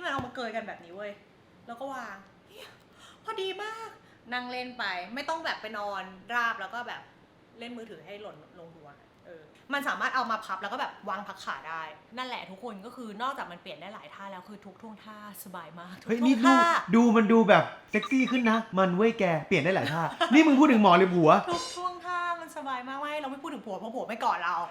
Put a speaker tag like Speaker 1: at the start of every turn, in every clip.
Speaker 1: มันเอามาเกยกันแบบนี้เว้ยแล้วก็วางพอดีมากนั่งเล่นไปไม่ต้องแบบไปนอนราบแล้วก็แบบเล่นมือถือให้หล่นลงหัวมันสามารถเอามาพับแล้วก็แบบวางพักขาได้นั่นแหละทุกคนก็คือนอกจากมันเปลี่ยนได้หลายท่าแล้วคือทุกท่วงท่าสบายมาก
Speaker 2: เฮ้ยนี่ดูมันดูแบบเซ็กซี่ขึ้นนะมันเว้ยแกเปลี่ยนได้หลายท่านี่มึงพูดถึงหมอหรือผัว
Speaker 1: ทุกท่วงท่ามันสบายมากไม่เราไม่พูดถึงผัวเพราะผัวไม่กอดเรา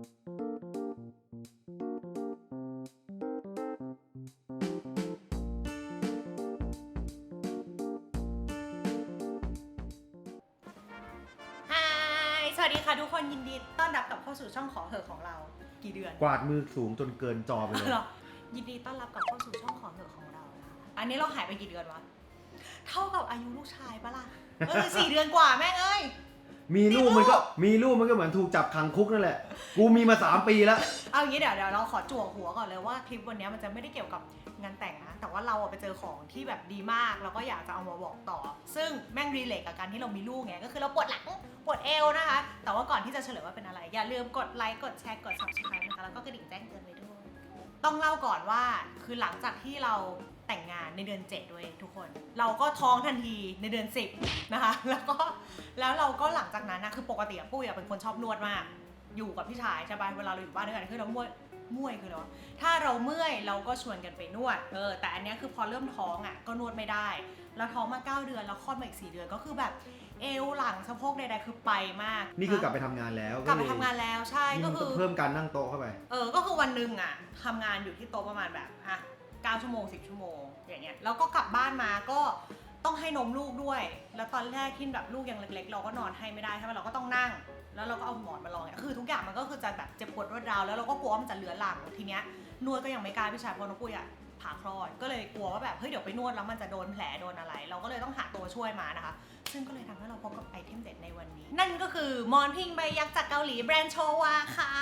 Speaker 1: สวัสดีค่ะทุกคนยินดีต้อนรับกลับเข้าสู่ช่องขอเหอะของเรากี่เดือน
Speaker 2: กวาดมือสูงจนเกินจอไปเลย
Speaker 1: ยินดีต้อนรับกลับเข้าสู่ช่องขอเหอะของเราอันนี้เราหายไปกี่เดือนวะเท่ากับอายุลูกชายปะล่ะ4 เดือนกว่าแม่งเอ้ย
Speaker 2: มีลูกมันก็เหมือนถูกจับขังคุกนั่นแหละกูมีมา3 ปีแล้ว
Speaker 1: เอางี้เดี๋ยวเราขอจั่วหัวก่อนเลยว่าคลิปวันนี้มันจะไม่ได้เกี่ยวกับงานแต่งนะแต่ว่าเราไปเจอของที่แบบดีมากแล้วก็อยากจะเอามาบอกต่อซึ่งแม่งรีเลทกับการที่เรามีลูกไงก็คือเราปวดหลังปวดเอวนะคะแต่ว่าก่อนที่จะเฉลยว่าเป็นอะไรอย่าลืมกดไลค์กดแชร์กด subscribe นะคะแล้วก็กระดิ่งแจ้งเตือนไว้ด้วยต้องเล่าก่อนว่าคือหลังจากที่เราแต่งงานในเดือน7ด้วยทุกคนเราก็ท้องทันทีในเดือน10นะคะแล้วเราก็หลังจากนั้นนะคือปกติปุ้ยเป็นคนชอบนวดมากอยู่กับพี่ชายใช่ป่ะเวลาเราอยู่บ้านด้วยกันคือเราเมื่อยคืออะไรวะถ้าเราเมื่อยเราก็ชวนกันไปนวดแต่อันนี้คือพอเริ่มท้องอ่ะก็นวดไม่ได้แล้วท้องมา9 เดือนแล้วคลอดมาอีก4 เดือนก็คือแบบเอวหลังสะโพกใดๆคือไปมาก
Speaker 2: นี่คือกลับไปทำงานแล้ว
Speaker 1: กลับไปทำงานแล้วใช่ก็คือ
Speaker 2: เพิ่มการนั่งโต๊ะเข้าไป
Speaker 1: ก็คือวันนึงอ่ะทำงานอยู่ที่โต๊ะประมาณแบบ9 ชั่วโมง10 ชั่วโมงอย่างเงี้ยแล้วก็กลับบ้านมาก็ต้องให้นมลูกด้วยแล้วตอนแรกที่แบบลูกยังเล็กๆเราก็นอนให้ไม่ได้ใช่ไหมเราก็ต้องนั่งแล้วเราก็เอาหมอนมาลองเนี่ยคือทุกอย่างมันก็คือจะแบบเจ็บปวดรวดร้าวแล้วเราก็กลัวว่ามันจะเลือนหลังทีเนี้ยนวดก็ยังไม่กล้าพี่ชายเพราะน้องปุ้ยผ่าคลอดก็เลยกลัวว่าแบบเฮ้ยเดี๋ยวไปนวดแล้วมันจะโดนแผลโดนอะไรเราก็เลยต้องหาตัวช่วยมานะคะซึ่งก็เลยทำให้เราพบกับไอเทมเด็ดในวันนี้นั่นก็คือมอนพิงใบยักษ์จากเกาหลีแบรนด์โชวาค่ะ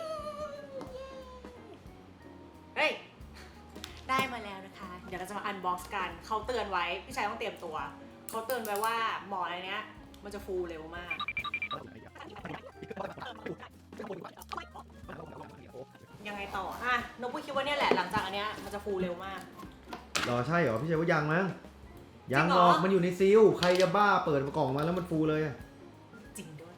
Speaker 1: เฮ้ยได้มาแล้วนะคะเดี๋ยวเราจะมาอันบ็อกซ์กันเขาเตือนไว้พี่ชายต้องเตรียมตัวเขาเตือนไว้ว่าหมอนอะไรเนี้ยมันจะฟูเร็วมากยังไงต่อนกปุ้ยคิดว่าเนี่ยแหละหลังจากอันเนี้ยมันจะฟูเร็วมาก
Speaker 2: ใช่เหรอพี่ชายว่ายังมั้งยังหรอกมันอยู่ในซีลใครจะบ้าเปิดกล่องมาแล้วมันฟูเลย
Speaker 1: จริงด้วย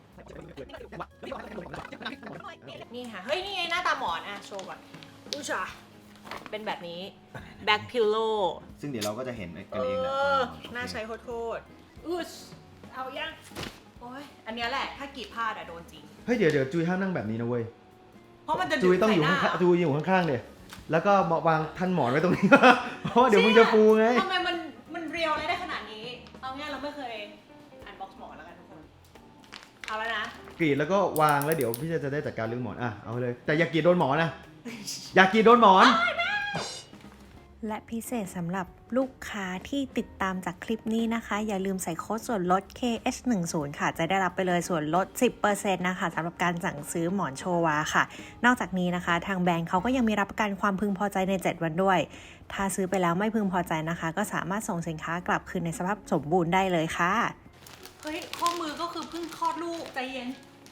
Speaker 1: นี่ค่ะเฮ้ยนี่ไงหน้าตาหมอนโชว์ก่อนอุ้ยจ้ะเป็นแบบนี้แบ็คพิลโล
Speaker 2: ซึ่งเดี๋ยวเราก็จะเห็นกันเองแหละ
Speaker 1: น่าใช้โคตรเอายังโอ้ยอันนี้แหละถ้ากรีดผ้าโดนจริง
Speaker 2: เฮ้ยเดี๋ยวจุยห้ามนั่งแบบนี้นะเว้ย
Speaker 1: เพราะมันจะ
Speaker 2: จุยต้องอยู่ข้างจุยอยู่ข้างๆเดี๋ยแล้วก็วางท่านหมอนไว้ตรงนี้เพราะเดี๋ยวมึงจะฟูไง
Speaker 1: ทำไมมันเรียวอะไรได้ขนาดนี้เอาง่ายเราไม่เคยอันบ็อกซ์หมอนแล้วกันทุกคนเอาแล้วนะ
Speaker 2: กรีดแล้วก็วางแล้วเดี๋ยวพี่จะได้จัดการเรื่องหมอนเอาเลยแต่อย่ากรีดโดนหมอนนะอย่ากรีดโดนหมอน
Speaker 3: และพิเศษสำหรับลูกค้าที่ติดตามจากคลิปนี้นะคะอย่าลืมใส่โค้ดส่วนลด KH10 ค่ะจะได้รับไปเลยส่วนลด 10% นะคะสำหรับการสั่งซื้อหมอนโชวาค่ะนอกจากนี้นะคะทางแบรนด์เขาก็ยังมีรับประกันความพึงพอใจใน7 วันด้วยถ้าซื้อไปแล้วไม่พึงพอใจนะคะก็สามารถส่งสินค้ากลับคืนในสภาพสมบูรณ์ได้เลยค่ะ
Speaker 1: เฮ้ยข้อมือก็คือเพิ่งคลอดลูกใจเย็น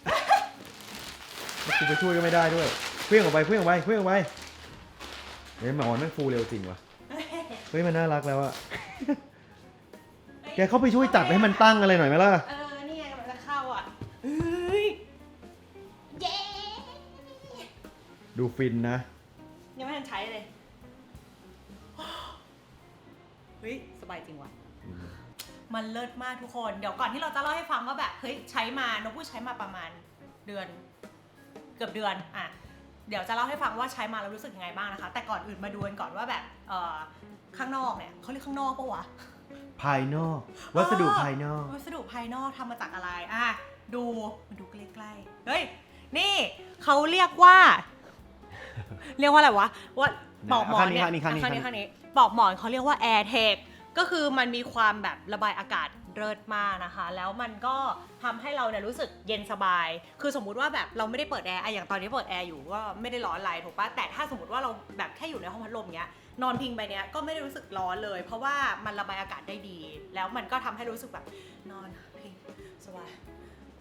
Speaker 2: กูไปช่วยก็ไม่ได้ด้วยเพื่อนออกไปเฮ้ยหมอนมันฟูเร็วจริงวะเฮ้ยมันน่ารักแล้วอะแกเข้าไปช่วยจัดให้มันตั้งอะไรหน่อยไหมล่ะ
Speaker 1: นี่ไงมันจะเข้าเฮ้ยเย้
Speaker 2: ดูฟินนะ
Speaker 1: ยังไม่ทันใช้เลยเฮ้ยสบายจริงว่ะมันเลิศมากทุกคนเดี๋ยวก่อนที่เราจะเล่าให้ฟังว่าแบบเฮ้ยใช้มานกพูดใช้มาประมาณเดือนเกือบเดือนเดี๋ยวจะเล่าให้ฟังว่าใช้มาแล้วรู้สึกยังไงบ้างนะคะแต่ก่อนอื่นมาดูกันก่อนว่าแบบข้างนอกเนี่ยเขาเรียกข้างนอกปะวะ
Speaker 2: ภายนอกวัสดุภายนอก
Speaker 1: ทำมาจากอะไรดูมาดูใกล้ๆเฮ้ยนี่เขาเรียกว่าอะไรวะว่าปอกหมอนเนี่ยข้างนี้ปอกหมอนเขาเรียกว่า AirTech ก็คือมันมีความแบบระบายอากาศเลิศมากนะคะแล้วมันก็ทำให้เราเนี่ยรู้สึกเย็นสบายคือสมมุติว่าแบบเราไม่ได้เปิดแอร์อย่างตอนนี้เปิดแอร์อยู่ก็ไม่ได้ร้อนอะไรถูกปะแต่ถ้าสมมติว่าเราแบบแค่อยู่ในห้องพัดลมเงี้ยนอนพิงไปเนี้ยก็ไม่ได้รู้สึกร้อนเลยเพราะว่ามันระบายอากาศได้ดีแล้วมันก็ทำให้รู้สึกแบบนอนพิงสบาย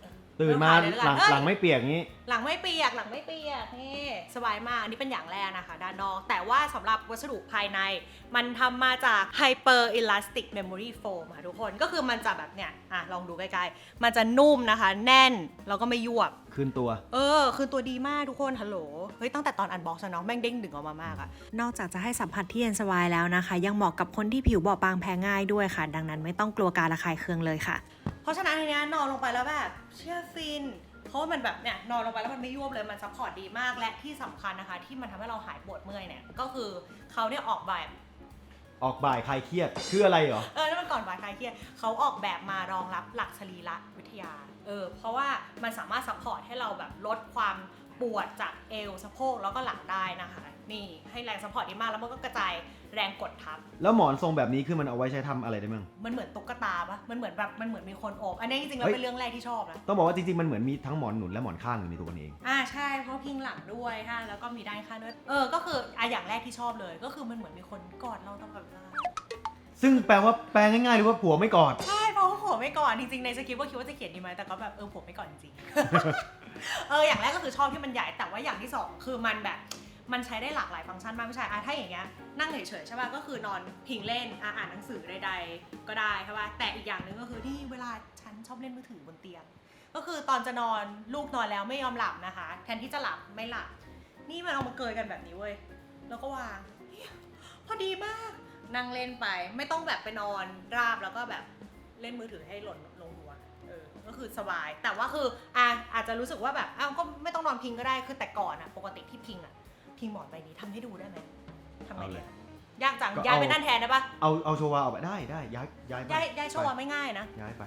Speaker 2: ตื่นมา
Speaker 1: เริ่
Speaker 2: หลัง
Speaker 1: ขายเลย
Speaker 2: หลังไม่เปียกงี้
Speaker 1: หลังไม่เปียกนี่สบายมากอันนี้เป็นอย่างแรกนะคะด้านนอกแต่ว่าสำหรับวัสดุภายในมันทำมาจาก Hyper Elastic Memory Foam ค่ะทุกคนก็คือมันจะแบบเนี่ยลองดูใกล้ๆมันจะนุ่มนะคะแน่นแล้วก็ไม่ยวบ
Speaker 2: คืนตัว
Speaker 1: คือตัวดีมากทุกคนฮัลโหลเฮ้ยตั้งแต่ตอนอันบ็อกซ์เนาะแม่งเด้งดึงออกมามากอะ
Speaker 3: นอกจากจะให้สัมผัสที่เย็นสบายแล้วนะคะ ยังเหมาะกับคนที่ผิวบอบบางแพ้ง่ายด้วยค่ะ ดังนั้นไม่ต้องกลัวการระคายเคืองเลยค่ะ
Speaker 1: เพราะฉะนั้นทีเนี้ยนอนลงไปแล้วแบบเชื่อฟินเพราะว่ามันแบบเนี่ยนอนลงไปแล้วมันไม่ยวบเลยมันซัพพอร์ตดีมากและที่สำคัญนะคะที่มันทำให้เราหายปวดเมื่อยเนี่ยก็คือเขาเนี่ยออกแบบ
Speaker 2: ออกบ่ายคลายเครียดคืออะไรเหรอ
Speaker 1: นั่นมันก่อนบ่ายคลายเครียดเขาออกแบบมารองรับหลักสรีระวิทยาเพราะว่ามันสามารถซัพพอร์ตให้เราแบบลดความปวดจากเอวสะโพกแล้วก็หลังได้นะคะนี่ให้แรงซัพพอร์ตดีมากแล้วมันก็กระจายแรงกดทับ
Speaker 2: แล้วหมอนทรงแบบนี้คือมันเอาไว้ใช้ทำอะไรได้มั้ง
Speaker 1: มันเหมือนตุ๊กตาปะมันเหมือนมีคนโอบอันนี้จริงๆแล้ว
Speaker 2: เฮ้ย
Speaker 1: เป็นเรื่องแรกที่ชอบนะ
Speaker 2: ต้องบอกว่าจริงๆมันเหมือนมีทั้งหมอนหนุนและหมอนข้างอยู่ในตัวมันเอง
Speaker 1: ใช่เพราะพิงหลังด้วยค่ะแล้วก็มีด้านข้างด้วยก็คืออย่างแรกที่ชอบเลยก็คือมันเหมือนมีคนกอดเราตลอดเวลา
Speaker 2: ซึ่งแปลง่ายๆเลยว่าผัวไม่กอด
Speaker 1: ใช่เพราะว่าผัวไม่กอดจริงๆในสคริปต์ก็คิดว่าจะเขียนดีไหมแต่ก็แบบผัวไม่กอดจริงๆ อย่างแรกก็คือชอบที่มันใหญ่แต่ว่าอย่างที่สองคือมันแบบมันใช้ได้หลากหลายฟังก์ชันมากไม่ใช่ถ้าอย่างเงี้ยนั่งเฉยๆใช่ป่ะก็คือนอนพิงเล่นอ่านหนังสือใดๆก็ได้ใช่ป่ะแต่อีกอย่างหนึ่งก็คือที่เวลาฉันชอบเล่นมือถือบนเตียงก็คือตอนจะนอนลูกนอนแล้วไม่ยอมหลับนะคะแทนที่จะหลับไม่หลับนี่มันเอามาเกยกันแบบนี้เว้ยแล้วก็วางพอดีมากนั่งเล่นไปไม่ต้องแบบไปนอนราบแล้วก็แบบเล่นมือถือให้หล่นลงหัวก็คือสบายแต่ว่าคืออาจจะรู้สึกว่าแบบก็ไม่ต้องนอนพิงก็ได้คือแต่ก่อนปกติที่พิงพิงหมอนใบนี้ทำให้ดูได้ไหมทำไงดียากจังย้ายไปนั่นแทนได้ปะ
Speaker 2: เอาโชวาออกไปได้ย้ายไป
Speaker 1: ย้ายโชว์ไม่ง่ายนะ
Speaker 2: ย้ายไป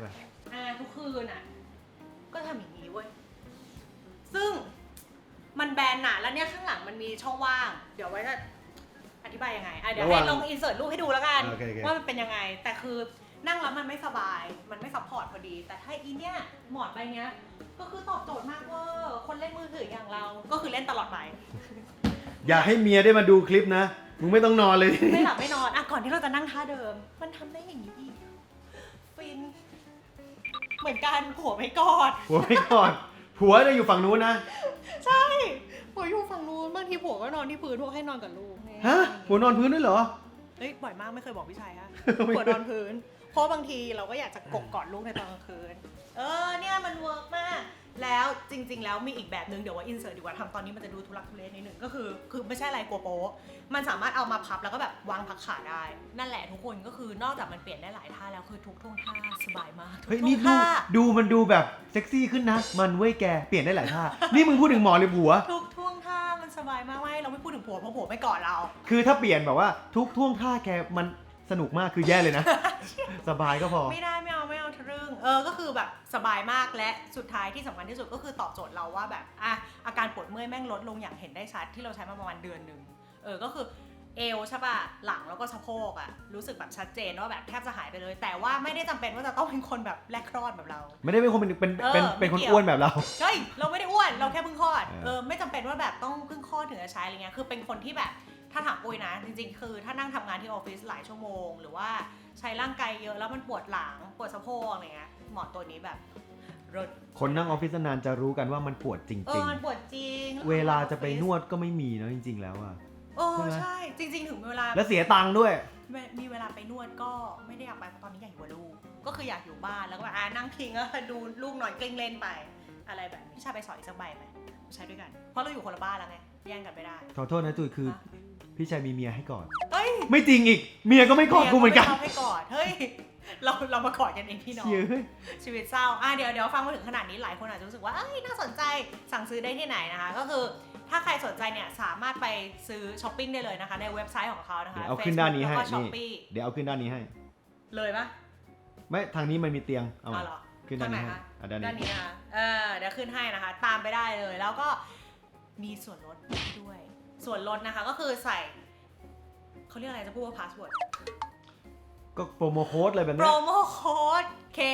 Speaker 1: ทุกคืนก็ทำอย่างนี้เว้ยซึ่งมันแบนหนาแล้วเนี่ยข้างหลังมันมีช่องว่างเดี๋ยวไว้จะอธิบายยังไงเดี๋ยวให้ลองอินเสิร์ตรูปให้ดูแล้วกัน
Speaker 2: โอเค
Speaker 1: ว่ามันเป็นยังไงแต่คือนั่งแล้วมันไม่สบายมันไม่ซัพพอร์ตพอดีแต่ถ้าอีเนี่ยหมอนใบเนี้ยก็คือตอบโจทย์มากเว่าคนเล่นมือถืออย่างเราก็คือเล่นตลอดไป
Speaker 2: อย่าให้เมียได้มาดูคลิปนะ มึงไม่ต้องนอนเลย
Speaker 1: ไม่หลับไม่นอนก่อนที่เราจะนั่งท่าเดิมมันทำได้อย่างนี้อีกฟินเหมือนกันผัวไม่กอด
Speaker 2: ผัวไม่กอดผัวจะอยู่ฝั่งนู้นนะ
Speaker 1: ใช่ผัวอยู่ฝั่งนู้นบางทีผัวก็นอนที่พื้นพวกให้นอนกับลูก
Speaker 2: ฮะผัวนอนพื้นด้วยเหรอ
Speaker 1: เฮ้ยบ่อยมากไม่เคยบอกพี่ชายฮะ ผัวนอนพื้นเพราะบางทีเราก็อยากจะกกอดลูกในตอนกลางคืนเนี่ยมันเวิร์กมากแล้วจริงๆแล้วมีอีกแบบนึงเดี๋ยวว่าอินเสิร์ตดีกว่าทำตอนนี้มันจะดูทุลักทุเลนิดนึงก็คือไม่ใช่อะไรกลัวโป๊ะมันสามารถเอามาพับแล้วก็แบบวางพักขาได้นั่นแหละทุกคนก็คือนอกจากมันเปลี่ยนได้หลายท่าแล้วคือทุกท่วงท่าสบายมากทุก
Speaker 2: เฮ้ย
Speaker 1: ท่ว
Speaker 2: นี่
Speaker 1: งท่า
Speaker 2: มันดูแบบเซ็กซี่ขึ้นนะ มันเว้ยแกเปลี่ยนได้หลายท่า นี่มึงพูดถึงหมอหรือผัว
Speaker 1: ทุกท่วงท่ามันสบายมากไม่เราไม่พูดถึงผัวเพราะผัวไม่กอดเรา
Speaker 2: คือถ้าเปลี่ยนแบบว่าทุกท่วงท่าแกมันสนุกมากคือแย่เลยนะ สบายก็พอ
Speaker 1: ไม่ได้ไม่เอาทะลึ่งก็คือแบบสบายมากและสุดท้ายที่สำคัญที่สุดก็คือตอบโจทย์เราว่าแบบอาการปวดเมื่อยแม่งลดลงอย่างเห็นได้ชัดที่เราใช้มาประมาณเดือนหนึ่งก็คือเอวใช่ป่ะหลังแล้วก็สะโพกรู้สึกแบบชัดเจนว่าแบบแทบจะหายไปเลย แต่ว่าไม่ได้จำเป็นว่าจะต้องเป็นคนแบบแรกคลอดแบบเรา
Speaker 2: ไม่ได้เป็นคนเป็นคนอ้วนแบบเรา
Speaker 1: เฮ้ยเราไม่ได้อ้วนเราแค่เพิ่งคลอดไม่จำเป็นว่าแบบต้องเพิ่งคลอดถึงจะใช้อะไรเงี้ยคือเป็นคนที่แบบถ้าถามปุ้ยนะจริงๆคือถ้านั่งทำงานที่ออฟฟิศหลายชั่วโมงหรือว่าใช้ร่างกายเยอะแล้วมันปวดหลังปวดสะโพกอะไรเงี้ยหมอนตัวนี้แบบรถ
Speaker 2: คนนั่งออฟฟิศนานจะรู้กันว่ามันปวดจริง
Speaker 1: มันปวดจริง
Speaker 2: ๆ เวลาจะไปนวดก็ไม่มีเนาะจริงๆแล้วอะ
Speaker 1: ใช่จริงๆถึงเวลา
Speaker 2: แล้วเสียตังค์ด้วย
Speaker 1: มีเวลาไปนวดก็ไม่ได้อยากไปเพราะตอนนี้อยากอยู่กับลูกก็คืออยากอยู่บ้านแล้วก็แบบนั่งพิงแล้วดูลูกนอนกลิ้งเล่นไปอะไรแบบนี้พี่ชายไปสอนอีกสักใบไหมใช้ด้วยกันเพราะเราอยู่คนละบ้านแล้วไงแย่งกันไม่ได้
Speaker 2: ขอโทษนะจุยคือพี่ชายมีเมียให้ก่อน
Speaker 1: เฮ้ย
Speaker 2: ไม่จริงอีกเมียก็ไม่กอดกูเหมือนกัน
Speaker 1: เมียก็ไม่ชอบให้กอดเฮ้ยเรามากอดกันเองพี่น้อง ชีวิตเศร้าเดี๋ยวฟังมาถึงขนาดนี้หลายคนอาจจะรู้สึกว่าน่าสนใจสั่งซื้อได้ที่ไหนนะคะก็คือถ้าใครสนใจเนี่ยสามารถไปซื้อช้อปปิ้งได้เลยนะคะในเว็บไซต์ของเขานะคะ
Speaker 2: เดี๋ยวเอาขึ้นด้านนี้ให้
Speaker 1: แล้วก็
Speaker 2: นี่เดี๋ยวเอาขึ้นด้านนี้ให้
Speaker 1: เลยปะ
Speaker 2: ไม่ทางนี้มันมีเตียงเอา
Speaker 1: เหรอ
Speaker 2: ขึ้นด้านนี้ให้
Speaker 1: ด้านนี้นะคะเดี๋ยวขึ้นให้นะคะตามไปได้เลยแล้วก็มีส่วนลดด้วยส่วนลดนะคะก็คือใส่เขาเรียกอะไรจะพูดว่าพาสเวิร์ด
Speaker 2: ก็โปรโมโค้ดเลยแบบ
Speaker 1: โปร
Speaker 2: นี้
Speaker 1: โมโค้ด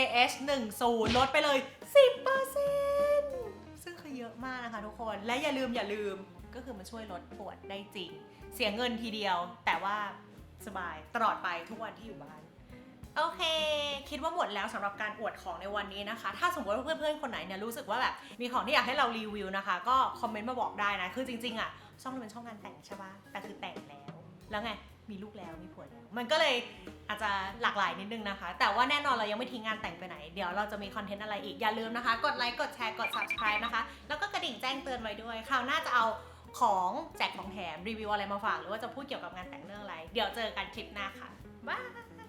Speaker 1: KH10 ลดไปเลย 10% ซึ่งคือเยอะมากนะคะทุกคนและอย่าลืมก็คือมันช่วยลดปวดได้จริงเสียเงินทีเดียวแต่ว่าสบายตลอดไปทุกวันที่อยู่บ้านโอเค คิดว่าหมดแล้วสำหรับการอวดของในวันนี้นะคะ ถ้าสมมติว่าเพื่อนๆคนไหนเนี่ยรู้สึกว่าแบบมีของที่อยากให้เรารีวิวนะคะ ก็คอมเมนต์มาบอกได้นะ คือจริงๆอ่ะช่องเราเป็นช่องงานแต่งใช่ปะแต่คือแต่งแล้วไงมีลูกแล้วมีผัวแล้วมันก็เลยอาจจะหลากหลายนิดนึงนะคะ แต่ว่าแน่นอนเรายังไม่ทิ้งงานแต่งไปไหนเดี๋ยวเราจะมีคอนเทนต์อะไรอีกอย่าลืมนะคะกดไลค์กดแชร์กด subscribe นะคะแล้วก็กระดิ่งแจ้งเตือนไว้ด้วยคราวหน้าจะเอาของแจกของแถมรีวิวอะไรมาฝากหรือว่าจะพูดเกี่ยวกับงานแต่งเรื่องอะไรเดี๋ยวเจอกันคลิปหน้าค่ะบาย